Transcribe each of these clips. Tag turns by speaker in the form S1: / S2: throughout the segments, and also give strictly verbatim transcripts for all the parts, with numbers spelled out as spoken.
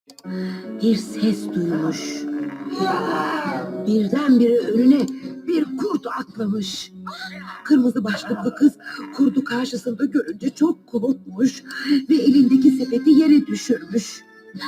S1: Bir ses duymuş. Birdenbire önüne bir kurt atlamış. Kırmızı başlıklı kız kurdu karşısında görünce çok korkmuş ve elindeki sepeti yere düşürmüş.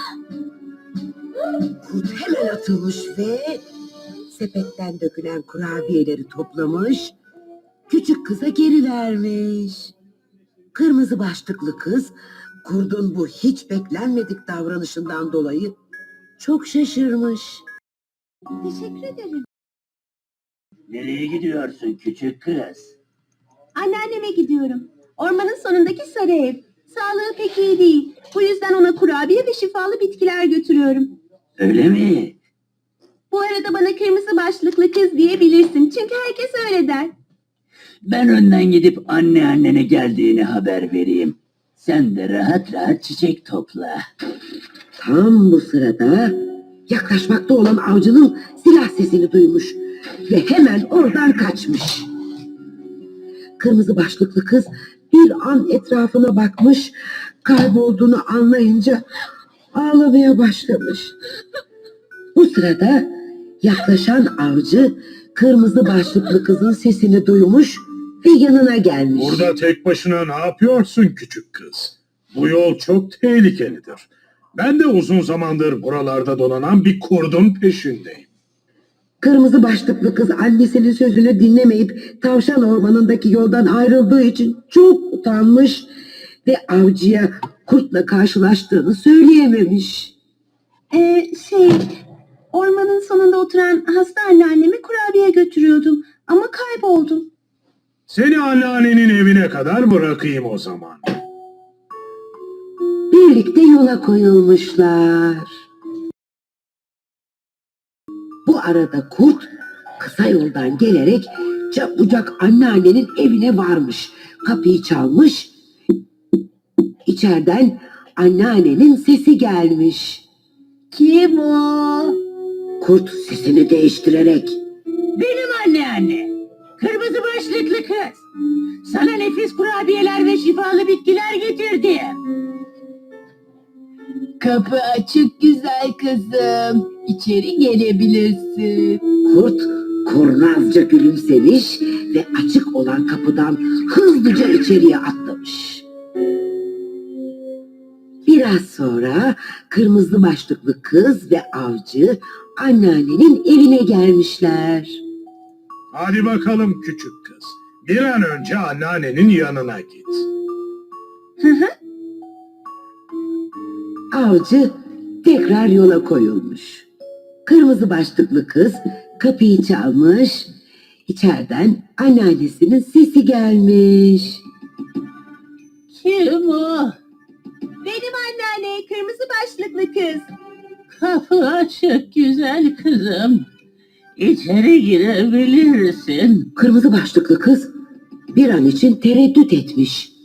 S1: Kurt hemen atılmış ve sepetten dökülen kurabiyeleri toplamış, küçük kıza geri vermiş. Kırmızı başlıklı kız kurdun bu hiç beklenmedik davranışından dolayı çok şaşırmış.
S2: Teşekkür ederim.
S3: Nereye gidiyorsun küçük kız?
S2: Anneanneme gidiyorum. Ormanın sonundaki sarı ev. Sağlığı pek iyi değil. Bu yüzden ona kurabiye ve şifalı bitkiler götürüyorum.
S3: Öyle mi?
S2: Bu arada bana kırmızı başlıklı kız diyebilirsin. Çünkü herkes öyle der.
S3: Ben önden gidip anneannene geldiğini haber vereyim. Sen de rahat rahat çiçek topla.
S1: Tam bu sırada yaklaşmakta olan avcının silah sesini duymuş ve hemen oradan kaçmış. Kırmızı başlıklı kız bir an etrafına bakmış, kaybolduğunu anlayınca ağlamaya başlamış. Bu sırada yaklaşan avcı kırmızı başlıklı kızın sesini duymuş ve yanına gelmiş.
S4: Burada tek başına ne yapıyorsun küçük kız? Bu yol çok tehlikelidir. Ben de uzun zamandır buralarda dolanan bir kurdun peşindeyim.
S1: Kırmızı başlıklı kız annesinin sözünü dinlemeyip tavşan ormanındaki yoldan ayrıldığı için çok utanmış ve avcıya kurtla karşılaştığını söyleyememiş.
S2: Ee, şey, ormanın sonunda oturan hasta anneanneme kurabiye götürüyordum. Ama kayboldum.
S4: Seni anneannenin evine kadar bırakayım o zaman.
S1: Birlikte yola koyulmuşlar. Bu arada kurt kısa yoldan gelerek çabucak anneannenin evine varmış. Kapıyı çalmış. İçeriden anneannenin sesi gelmiş.
S2: Kim o?
S1: Kurt sesini değiştirerek
S3: Benim anneanne. Kırmızı başlıklı kız. Sana nefis kurabiyeler ve şifalı bitkiler getirdim.
S2: Kapı açık güzel kızım. İçeri gelebilirsin.
S1: kurt kurnazca gülümsemiş ve açık olan kapıdan hızlıca içeriye atlamış. Biraz sonra kırmızı başlıklı kız ve avcı anneannenin evine gelmişler.
S4: Hadi bakalım küçük kız. Bir an önce anneannenin yanına git.
S1: Avcı tekrar yola koyulmuş. Kırmızı başlıklı kız kapıyı çalmış. İçeriden anneannesinin sesi gelmiş.
S3: Kim o?
S2: Benim anneanne, kırmızı başlıklı kız.
S3: Kapı açık güzel kızım. İçeri girebilirsin.
S1: Kırmızı başlıklı kız bir an için tereddüt etmiş.